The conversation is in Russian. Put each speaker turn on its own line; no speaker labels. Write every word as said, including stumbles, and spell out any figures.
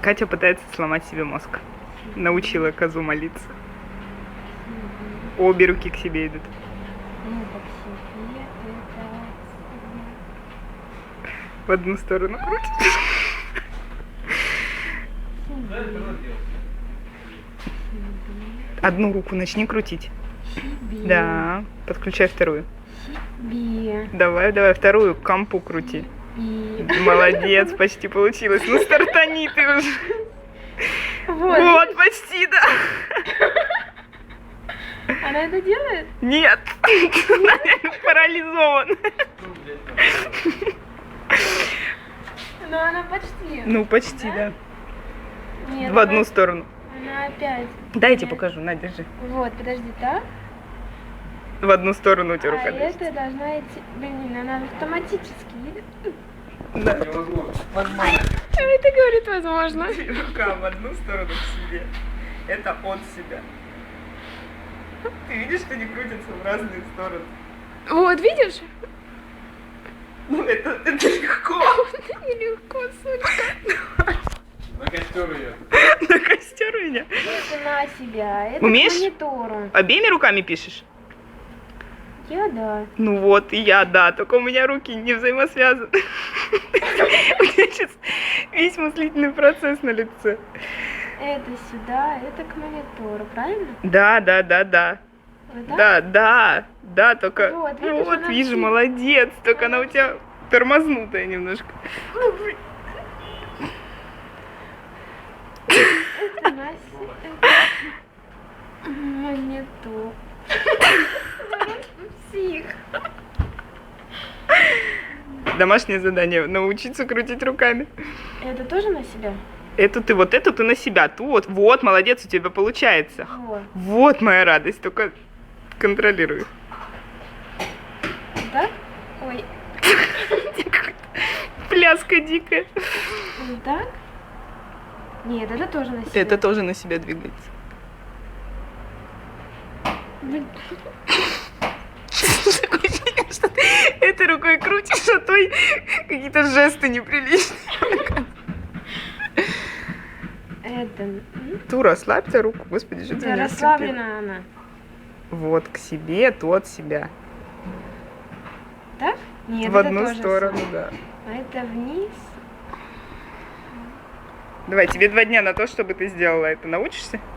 Катя пытается сломать себе мозг. Научила козу молиться. Обе руки к себе идут. В одну сторону крутит. Одну руку начни крутить.
Себе.
Да. Подключай вторую.
Себе.
Давай, давай, вторую к компу крути.
Себе.
Молодец, почти получилось. Ну стартани ты уже.
Вот.
Вот, почти, да.
Она это делает?
Нет. Она парализована.
Но она почти.
Ну, почти, да.
Нет,
В одну
она-
сторону.
Она опять.
Дай я тебе
Нет.
покажу, на, держи.
Вот, подожди, так?
В одну сторону у тебя
А
рука лезет.
это должна идти. Блин, она автоматически едет.
Да.
А это говорит возможно.
Рука в одну сторону к себе. Это от себя. Ты видишь, что они крутятся в разные стороны?
Вот, видишь?
Ну, это, это легко.
Нелегко, сучка.
На костер ее.
На костер у меня.
Это на себя. Это
Умеешь?
к монитору.
Обеими руками пишешь?
Я да.
Ну вот, и я, да, только у меня руки не взаимосвязаны. У меня сейчас весь мыслительный процесс на лице.
Это сюда, это к монитору, правильно?
Да, да, да, да.
Вот так?
Да, да, да, только...
Вот,
Ну
видишь,
вот,
она
вижу,
все-
молодец, только она у тебя тормознутая немножко.
Это на себя. Монитор. Псих.
Домашнее задание, научиться крутить руками.
Это тоже на себя?
Эту ты, вот эту ты на себя, ту вот, вот, молодец, у тебя получается.
Вот.
Вот моя радость, только контролирую.
Так? Ой.
Пляска дикая.
Вот так? Нет, это тоже на себя.
Это тоже на себя двигается.
Блин.
Такое ощущение, что ты этой рукой крутишь, а той какие-то жесты неприличные.
Это... м?
Ту, расслабься руку, господи, что ты
Да,
меня
расслаблена она.
сцепила? Вот, к себе, ту от себя.
Так? Нет,
В
это
одну
тоже
сторону,
сам.
да.
А это вниз.
Давай, тебе два дня на то, чтобы ты сделала это. Научишься?